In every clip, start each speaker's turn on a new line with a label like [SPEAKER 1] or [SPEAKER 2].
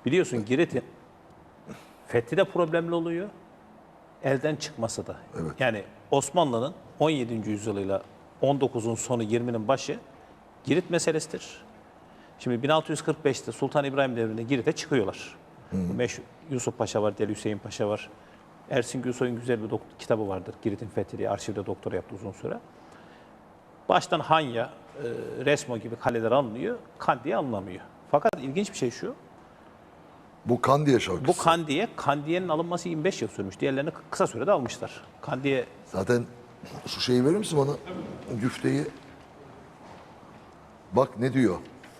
[SPEAKER 1] Biliyorsun Girit'in fethi de problemli oluyor. Elden çıkması da.
[SPEAKER 2] Evet.
[SPEAKER 1] Yani Osmanlı'nın 17. yüzyılıyla 19'un sonu 20'nin başı Girit meselesidir. Şimdi 1645'te Sultan İbrahim devrinde Girit'e çıkıyorlar. Meşhur Yusuf Paşa var, Deli Hüseyin Paşa var. Ersin Gülsoy'un güzel bir kitabı vardır. Girit'in fethi diye arşivde doktora yaptı uzun süre. Baştan Hanya, Resmo gibi kaleler alınıyor, Kandiye alınamıyor. Fakat ilginç bir şey şu,
[SPEAKER 2] Bu Kandiye şarkısı.
[SPEAKER 1] bu Kandiye'nin alınması 25 yıl sürmüş. Diğerlerini kısa sürede almışlar. Kandiye
[SPEAKER 2] Zaten şu şeyi verir misin bana? Güfteyi. Bak ne diyor.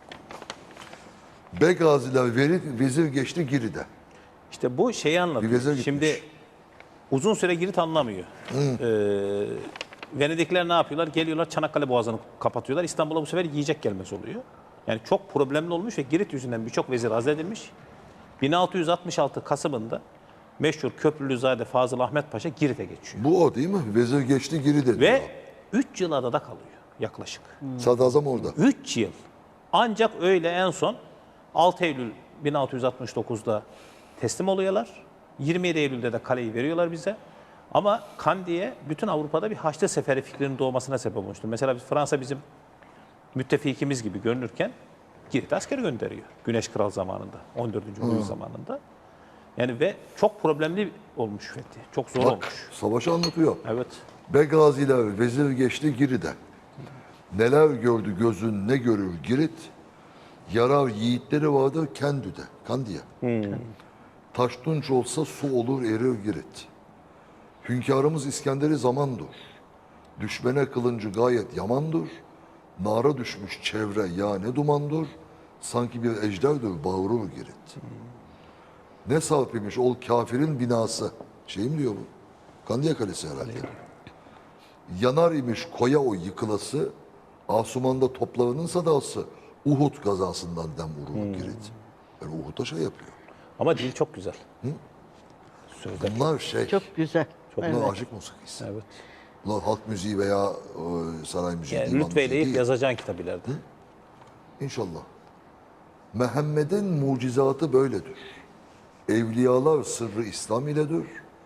[SPEAKER 2] Begaziler vezir geçti Giri'de.
[SPEAKER 1] işte bu şeyi
[SPEAKER 2] Bir
[SPEAKER 1] anlatıyor.
[SPEAKER 2] vezir gitmiş.
[SPEAKER 1] Şimdi uzun süre Girit anlamıyor. Venedikler ne yapıyorlar? Geliyorlar Çanakkale Boğazı'nı kapatıyorlar. İstanbul'a bu sefer yiyecek gelmesi oluyor. Yani çok problemli olmuş ve Girit yüzünden birçok vezir azledilmiş. 1666 Kasım'ında meşhur Köprülüzade Fazıl Ahmet Paşa Girit'e geçiyor.
[SPEAKER 2] Bu o değil mi? Vezir geçti Giri'de diyor.
[SPEAKER 1] Ve 3 yıl adada kalıyor yaklaşık.
[SPEAKER 2] Sadrazam orada.
[SPEAKER 1] 3 yıl. Ancak öyle en son 6 Eylül 1669'da teslim oluyorlar. 27 Eylül'de de kaleyi veriyorlar bize. Ama Kandiye bütün Avrupa'da bir Haçlı Seferi fikrinin doğmasına sebep olmuştur. Mesela Fransa bizim müttefikimiz gibi görünürken Girit'e asker gönderiyor. Güneş Kral zamanında, 14. Louis zamanında. Yani ve çok problemli olmuş fethi. Çok zor
[SPEAKER 2] Bak
[SPEAKER 1] olmuş.
[SPEAKER 2] savaşı anlatıyor.
[SPEAKER 1] Evet.
[SPEAKER 2] Begaziler vezir geçti Giri'de. Neler gördü gözün ne görür Girit. Yarar yiğitleri vardır Kendü'de. Kandiye. Taştunç olsa su olur erir Girit. Hünkârımız İskender'i zamandır. Düşmene kılıncı gayet yamandır. Nara düşmüş çevre ya ne dumandır. Sanki bir ejderdir bağırır Girit. Ne sarp imiş ol kafirin binası. Şey mi diyor bu? Kandiye Kalesi herhalde. Yanar imiş koya o yıkılası. Asumanda toplarının sadası. Uhud gazasından dem vurur Girit. Yani Uhud'a şey yapıyor.
[SPEAKER 1] Ama dil çok güzel. Sözler.
[SPEAKER 2] Bunlar şey,
[SPEAKER 3] Çok güzel.
[SPEAKER 2] bunlar aşık musikisi.
[SPEAKER 1] Evet.
[SPEAKER 2] Bunlar halk müziği veya saray müziği,
[SPEAKER 1] Yani
[SPEAKER 2] divan
[SPEAKER 1] rütbeyle
[SPEAKER 2] müziği
[SPEAKER 1] ilk
[SPEAKER 2] değil.
[SPEAKER 1] yazacağın kitap ileride.
[SPEAKER 2] İnşallah. Muhammed'in mucizatı böyledir. Evliyalar sırrı İslam iledir.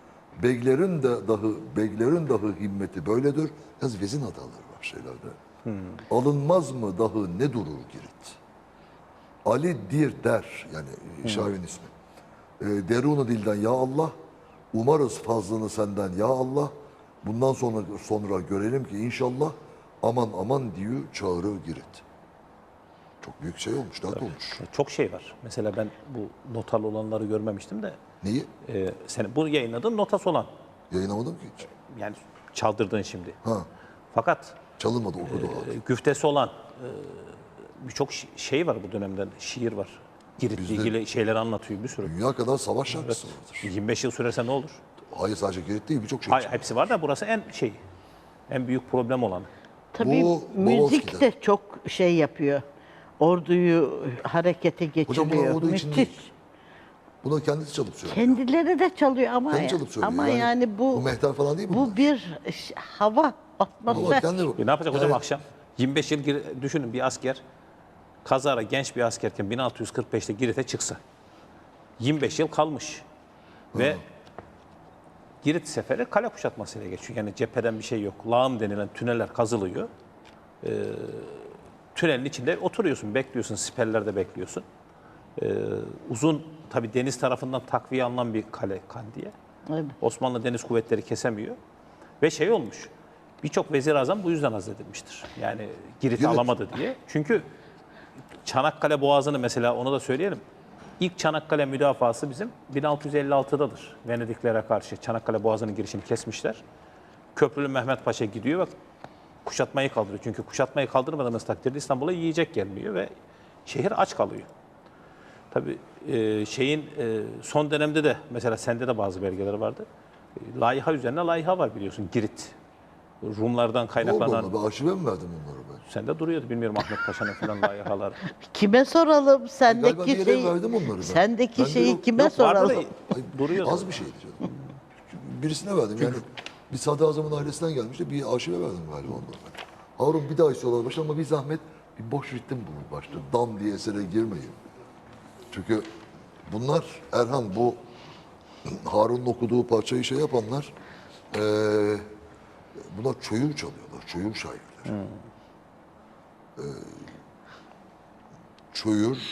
[SPEAKER 2] Beglerin dahi himmeti böyledir. Yalnız vezin hataları var şeylerde. Alınmaz mı dahi ne durur Girit? Ali dir der, yani şairin ismi. Derunu dilden ya Allah, umarız fazlını senden ya Allah. Bundan sonra görelim ki inşallah aman aman diyor çağırır Girit. Çok büyük şey olmuş, dert olmuş.
[SPEAKER 1] Çok şey var. Mesela ben bu notalı olanları görmemiştim de.
[SPEAKER 2] Neyi?
[SPEAKER 1] Sen bu yayınladığın notası olan.
[SPEAKER 2] Yayınlamadım ki hiç.
[SPEAKER 1] Yani çaldırdığın şimdi.
[SPEAKER 2] Ha,
[SPEAKER 1] Fakat
[SPEAKER 2] çalınmadı, okudu abi.
[SPEAKER 1] güftesi olan birçok şey var bu dönemden. Şiir var. Girit'le ilgili şeyleri anlatıyor bir sürü.
[SPEAKER 2] Dünya kadar savaş şarkısı vardır.
[SPEAKER 1] 25 yıl sürerse ne olur?
[SPEAKER 2] Hayır sadece Girit değil, birçok şey.
[SPEAKER 1] Hayır, hepsi var da burası en büyük problem olan.
[SPEAKER 3] Tabii
[SPEAKER 2] Bu
[SPEAKER 3] müzik
[SPEAKER 2] Boğaz'da.
[SPEAKER 3] de çok şey yapıyor. Orduyu harekete
[SPEAKER 2] Hocam bunlar
[SPEAKER 3] geçiriyor.
[SPEAKER 2] ordu için
[SPEAKER 3] Müthiş.
[SPEAKER 2] değil. Bunu kendisi çalıp söylüyor.
[SPEAKER 3] Kendileri de çalıyor ama
[SPEAKER 2] Kendi çalıp söylüyor.
[SPEAKER 3] ama yani bu
[SPEAKER 2] mehter falan değil mi bunlar?
[SPEAKER 3] bu bir hava,
[SPEAKER 2] Ama
[SPEAKER 3] atmosfer.
[SPEAKER 2] kendi
[SPEAKER 1] Ne yapacak hocam
[SPEAKER 2] Yani
[SPEAKER 1] akşam? 25 yıl düşünün bir asker kazara genç bir askerken 1645'te Girit'e çıksa. 25 yıl kalmış. Ve Girit seferi kale kuşatmasıyla geçiyor. Yani cepheden bir şey yok. Lağım denilen tüneller kazılıyor. Tünelin içinde oturuyorsun, bekliyorsun, siperlerde bekliyorsun. Uzun, tabii deniz tarafından takviye alınan bir kale Kandiye.
[SPEAKER 3] Evet.
[SPEAKER 1] Osmanlı Deniz Kuvvetleri kesemiyor. Ve şey olmuş, birçok vezir-i bu yüzden azledilmiştir. Yani Girit'i
[SPEAKER 2] Girit.
[SPEAKER 1] alamadı diye. Çünkü Çanakkale Boğazı'nı mesela onu da söyleyelim. İlk Çanakkale müdafası bizim 1656'dadır. Venediklere karşı Çanakkale Boğazı'nın girişini kesmişler. Köprülü Mehmet Paşa gidiyor ve kuşatmayı kaldırıyor. Çünkü kuşatmayı kaldırmadığımız takdirde İstanbul'a yiyecek gelmiyor ve şehir aç kalıyor. Tabii son dönemde de mesela sende de bazı belgeler vardı. Layıha üzerine layıha var biliyorsun Girit. Rumlardan
[SPEAKER 2] ne oldu
[SPEAKER 1] kaynaklanan.
[SPEAKER 2] ona? Ben arşive mi verdim onları ben?
[SPEAKER 1] Sende duruyordu bilmiyorum Ahmet Paşa'nın falan layıhalar.
[SPEAKER 3] Kime soralım?
[SPEAKER 2] Galiba
[SPEAKER 3] Sendeki
[SPEAKER 2] bir yere
[SPEAKER 3] şeyi,
[SPEAKER 2] verdim onları ben.
[SPEAKER 3] sendeki
[SPEAKER 2] Bende
[SPEAKER 3] şeyi
[SPEAKER 2] yok.
[SPEAKER 3] kime
[SPEAKER 1] Yok, vardı da
[SPEAKER 3] soralım?
[SPEAKER 2] Ay,
[SPEAKER 1] duruyordu.
[SPEAKER 2] Az bir şeydi canım. Birisine verdim yani. Bir sadrazamın ailesinden gelmişti. Bir arşive verdim galiba onları. Harun bir daha istiyorlar başta ama bir zahmet bir boş ritim bulun başta. Dam diye esere girmeyin. Çünkü Bunlar Erhan bu Harun'un okuduğu parçayı şey yapanlar bunlar çöyür çalıyorlar. Çöyür şairleri. Çöyür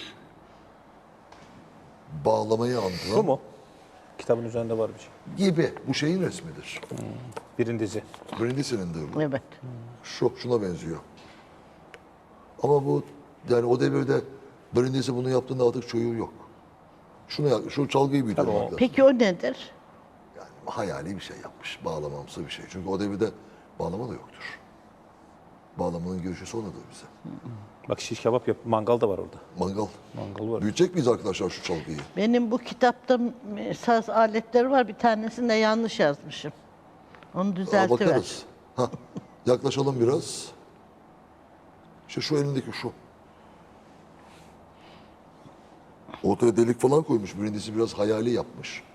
[SPEAKER 2] bağlamayı andıran
[SPEAKER 1] Bu mu? Kitabın üzerinde var bir şey.
[SPEAKER 2] gibi. Bu şeyin resmidir.
[SPEAKER 1] Birincisi.
[SPEAKER 2] Brindisi'nindir bu.
[SPEAKER 3] Evet.
[SPEAKER 2] Şuna benziyor. Ama bu yani o devirde Brindisi bunu yaptığında artık çöyür yok. Şu çalgıyı bir duymak lazım.
[SPEAKER 3] Peki o nedir?
[SPEAKER 2] Yani hayali bir şey yapmış. Bağlamamsı bir şey. Çünkü o devirde bağlama da yoktur. Bağlamanın girişi sonradır bize.
[SPEAKER 1] Bak şiş kebap yap. Mangal da var orada.
[SPEAKER 2] Mangal.
[SPEAKER 1] Mangal var.
[SPEAKER 2] Büyütecek miyiz arkadaşlar şu çalgıyı?
[SPEAKER 3] Benim bu kitapta saz aletleri var. Bir tanesini de yanlış yazmışım. Onu düzeltiver.
[SPEAKER 2] Bakarız. Ha, yaklaşalım biraz. İşte şu elindeki şu. Ortaya delik falan koymuş. Birincisi biraz hayali yapmış.